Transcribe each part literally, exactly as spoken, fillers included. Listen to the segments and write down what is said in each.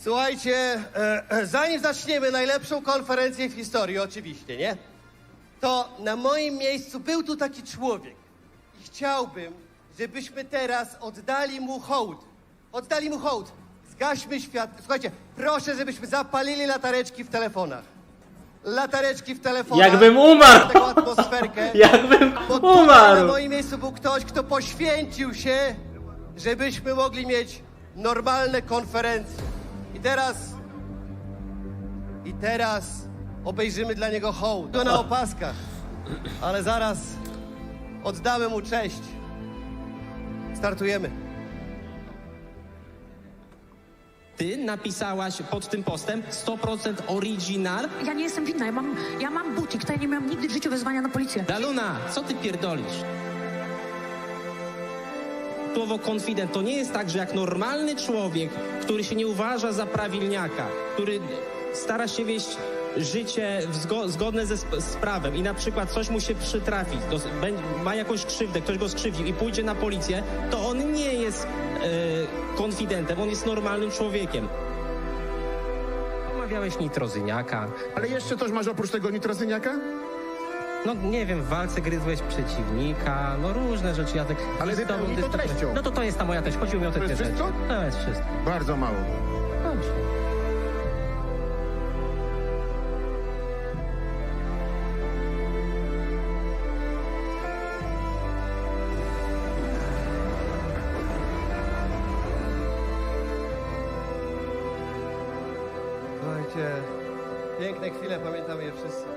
Słuchajcie, e, e, zanim zaczniemy najlepszą konferencję w historii, oczywiście, nie? To na moim miejscu był tu taki człowiek i chciałbym, żebyśmy teraz oddali mu hołd. Oddali mu hołd. Zgaśmy świat. Słuchajcie, proszę, żebyśmy zapalili latareczki w telefonach. Latareczki w telefonach. Jakbym umarł! Taką atmosferkę. Jakbym Bo tutaj na umarł! moim miejscu był ktoś, kto poświęcił się, żebyśmy mogli mieć normalne konferencje. I teraz... I teraz obejrzymy dla niego hołd. To na opaskach. Ale zaraz oddamy mu cześć. Startujemy. Ty napisałaś pod tym postem sto procent original? Ja nie jestem winna, ja mam, ja mam butik, to ja nie miałam nigdy w życiu wezwania na policję. Daluna, co ty pierdolisz? Słowo konfident to nie jest tak, że jak normalny człowiek, który się nie uważa za prawilniaka, który stara się wieść życie w zgo zgodne ze sp z prawem i na przykład coś mu się przytrafi, to ma jakąś krzywdę, ktoś go skrzywdził i pójdzie na policję, to on nie jest e, konfidentem, on jest normalnym człowiekiem. Omawiałeś nitrozyniaka. Ale jeszcze coś masz oprócz tego nitrozyniaka? No nie wiem, w walce gryzłeś przeciwnika, no różne rzeczy. Ja tak, Ale z tobą wypełnij to dyskutuję. treścią. No to to jest ta moja treść, chodziło mi o te To dwie jest rzeczy. wszystko? To jest wszystko. Bardzo mało. Dobrze. Słuchajcie, piękne chwile, pamiętamy je wszyscy.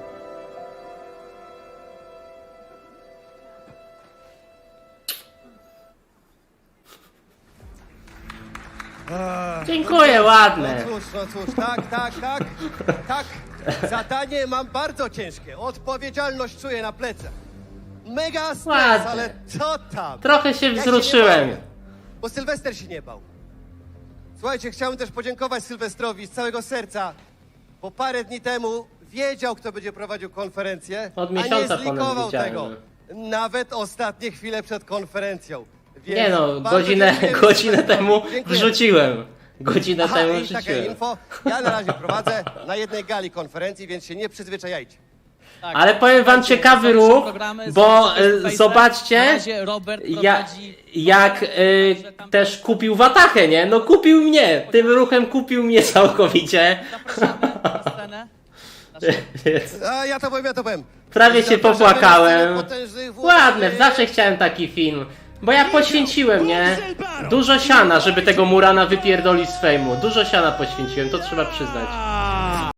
Dziękuję, ładne. No cóż, no cóż, tak, tak, tak, tak. Zadanie mam bardzo ciężkie. Odpowiedzialność czuję na plecach. Mega stres, Ładnie. ale co tam? Trochę się Ja nie wzruszyłem. boję, bo Sylwester się nie bał. Słuchajcie, chciałbym też podziękować Sylwestrowi z całego serca, bo parę dni temu wiedział, kto będzie prowadził konferencję, Od a nie miesiąca ponad zlikował wiedziałem. tego. Nawet ostatnie chwile przed konferencją. Więc Nie no, bardzo godzinę, dziękuję godzinę Sylwestrowi. temu Dziękuję. wrzuciłem. Godzinę Aha, temu i takie wrzuciłem. info. Ja na razie prowadzę na jednej gali konferencji, więc się nie przyzwyczajajcie. Tak, Ale powiem wam słuchajcie, ciekawy są ruch, programy, bo są y, face-to-face. zobaczcie, Na razie Robert ja, prowadzi- jak y, też kupił watachę, nie? No kupił mnie, tym ruchem kupił mnie całkowicie. Zapraszamy na scenę. Naszą- Więc A ja to powiem, ja to powiem. prawie się Zapraszamy popłakałem. na scenę potężnych włóczych. Ładne, zawsze chciałem taki film. Bo ja poświęciłem, nie? Dużo siana, żeby tego Murana wypierdolić z fejmu. Dużo siana poświęciłem, to trzeba przyznać.